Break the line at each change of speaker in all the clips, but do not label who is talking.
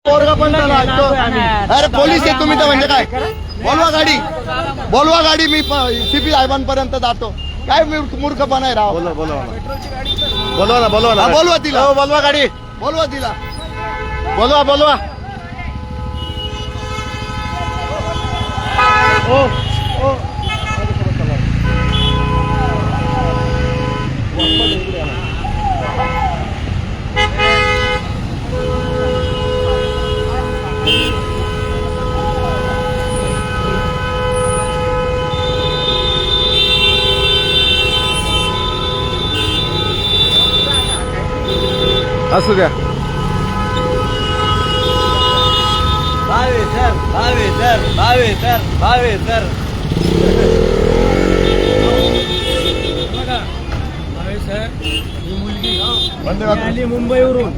पोरगा पण त्याला ऐकतो. अरे पोलीस आहे तुम्ही तर म्हणजे काय? बोलवा गाडी मी सीपी साहेबांपर्यंत जातो. काय मूर्खपणा आहे राव.
बोलवा ना
बोलवा तिला.
बोलवा गाडी
बोलवा तिला.
बोलवा असू द्या.
भावे सर ही मुलगी आली मुंबईवरून.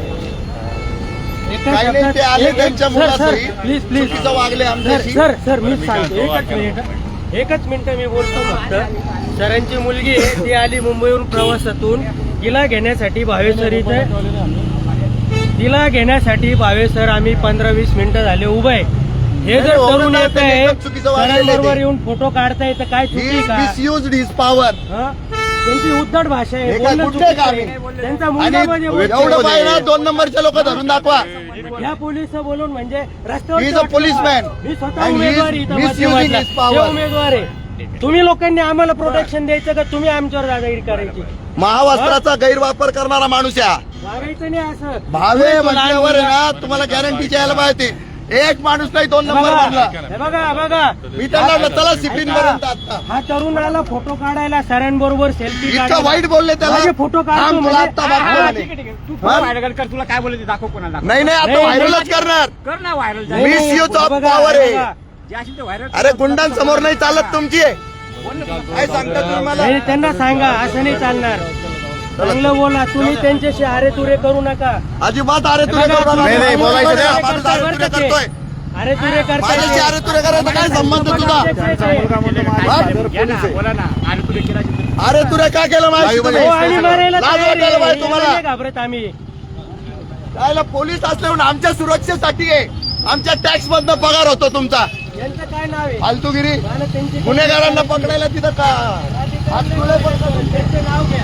काही नाही ते आले त्यांच्या मुलासही
प्लीज
चुकीचं वागले आमच्याशी.
सर मी सांगतो एकच मिनिट मी बोलतो फक्त. सरांची मुलगी आहे ती आली मुंबईवरून प्रवासातून. तिला घेण्यासाठी भावेसर इथे भावेसर आम्ही 15-20 मिनिटं झाले उभे आहे. हे जर तरुण येत आहे सरांबरोबर येऊन फोटो काढताय तर काय चुकी का?
Misused his power.
त्यांची उद्धट भाषा आहे. त्यांचा मुलगा म्हणजे
एवढं पाहिजे 2 नंबरचे लोक धरून दाखवा.
या पोलीस बोलून म्हणजे
He is a
रस्त्यावर
policeman.
मी स्वतः
And he is
उमेदवार आहे इथं
misusing
मध्यमातला.
his power.
हे उमेदवार आहे. तुम्ही लोकांनी आम्हाला प्रोटेक्शन द्यायचं का तुम्ही आमच्यावर दादागिरी करायची?
महावस्त्राचा गैरवापर करणारा माणूस आहे.
वागायचं नाही असं.
भावे म्हटल्यावर आहे ना तुम्हाला गॅरंटी यायला पाहिजे. एक माणूस नाही 2 नंबर बनला.
हे बघा
मी त्यांना चला सिप्लिन पर्यंत आता
हा तरुण आला फोटो काढायला सरांबरोबर सेल्फी
इतकं वाईट बोलले त्याला.
फोटो
थांब,
काढतो
तुला आता दाखवतो म्हणे.
तू व्हायरल कर. तुला काय बोलायचं दाखव कोणाला.
नाही आता व्हायरलच करणार.
कर ना व्हायरल.
मिसयूज ऑफ पॉवर आहे.
जे असेल ते व्हायरल.
अरे गुंडांसमोर नाही चालत तुमची. काय सांगता तुम्ही मला?
नाही, त्यांना सांगा असं नाही चालणार. चांगलं बोला. तुम्ही त्यांच्याशी अरे तुरे करू नका.
अजिबात अरे तुरे करू नका.
नाही, बोलायचं नाही.
माणूस अरे तुरे करतोय.
अरे तुरे
माझ्याशी अरे तुरे करायचा काय संबंध तुझा?
बोला ना. आणि तुला केला
अरे तुरे का केलं माहिती तुम्ही?
आणि मारायला
लाज
तयार
वाटायला
आहे.
पाहिजे तुम्हाला.
नाही घाबरत आम्ही.
कायला पोलीस असल्यावर आमच्या सुरक्षेसाठी आहे. आमच्या टॅक्स मधनं पगार होतो तुमचा.
यांचं काय नाव आहे?
फालतूगिरी.
मला त्यांची
गुन्हेगारांना पकडायला तिथं का हात तुले पडतात.
त्यांचं नाव घ्या.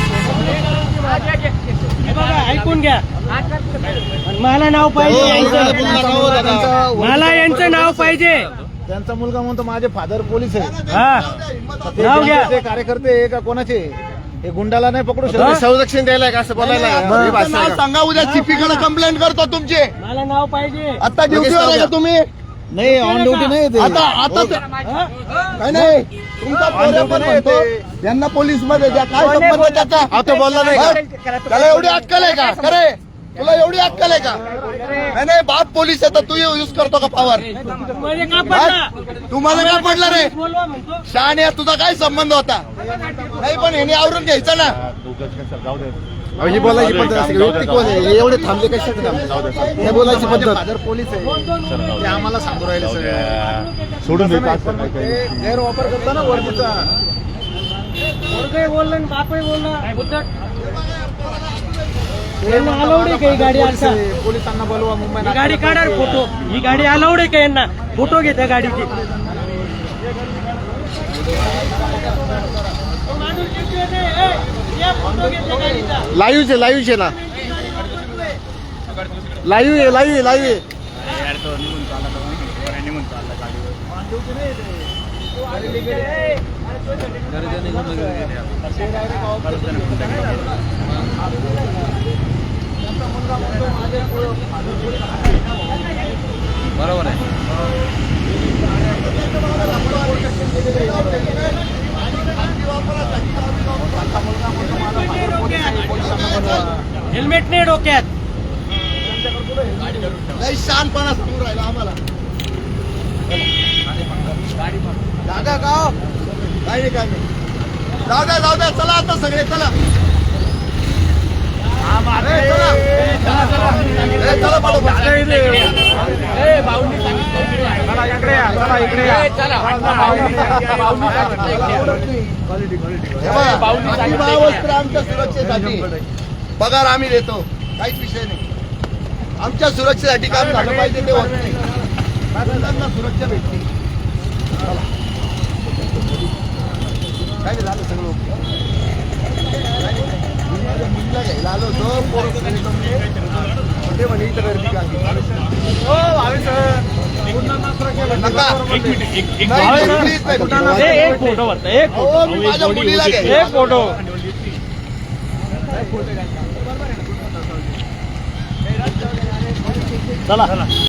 हे बघा ऐकून घ्या. आणि मला नाव पाहिजे यांचं. मला यांचं नाव पाहिजे.
त्यांचा मुलगा म्हणतो माझे फादर पोलीस आहे.
हा नाव घ्या.
ते कार्यकर्ते आहे का कोणाचे? हे गुंडाला नाही पकडू शकत. संरक्षण द्यायला का असं बोलायला?
तुमचं नाव सांगा. उद्या सीपीकडे कंप्लेंट करतो तुमची.
मला नाव पाहिजे.
आता ड्युटीवर आहे का तुम्ही?
नाही ऑन ड्युटी नाही ते.
आता काय नाही तुमचा पोरगा पण म्हणतो यांना पोलीस मध्ये द्या. काय संबंध त्याचा?
आता बोलला नाही का?
त्याला एवढी अक्कल आहे का? खरे तुला एवढी अक्कल आहे का? नाही बाप पोलीस आहे तर तू युज करतो का पॉवर?
मध्ये का पडला?
तुम्हाला काय पडलं रे?
बोलवा म्हणतो.
शहाण्या तुझा काय संबंध होता? नाही पण ह्याने आवरून घ्यायचं ना.
ही बोलायची पद्धत असेल. व्यक्ती कोण आहे? हे एवढे थांबले कशासाठी थांबले? हे बोलायची पद्धत. फादर पोलीस आहे ते आम्हाला सांगू राहिले सगळं. सोडून गैरवापर करता ना वर्दीचा.
पोरगंही बोललं आणि बापही बोलला. उद्धट. यांना अलाउड आहे का ही गाडी आता?
पोलिसांना बोलवा मुंबई.
ही गाडी काढा रे फोटो. ही गाडी अलाउड आहे का यांना? फोटो घे त्या गाडीची.
लाईव्ह आहे ना. लाईव्ह आहे.
बरोबर आहे.
हेल्मेट नाही डोक्यात.
लई शानपणा सांगून राहिला आम्हाला. दादा का काय नाही काय नाही. जाऊ द्या चला आता सगळे चला. चला आमच्या सुरक्षेसाठी पगार आम्ही देतो. काहीच विषय नाही. आमच्या सुरक्षेसाठी काम झालं पाहिजे ते होत नाही. मुलांना सुरक्षा भेटते. चला. काय नाही झालं सगळं ओके. मी माझ्या मुलीला घ्यायला आलो होतो ते म्हणे इथं गर्दी का नका. नाही, please नाही.
एक फोटो बघता एक
अहो, मी माझ्या मुलीला घ्यायला
एक फोटो चला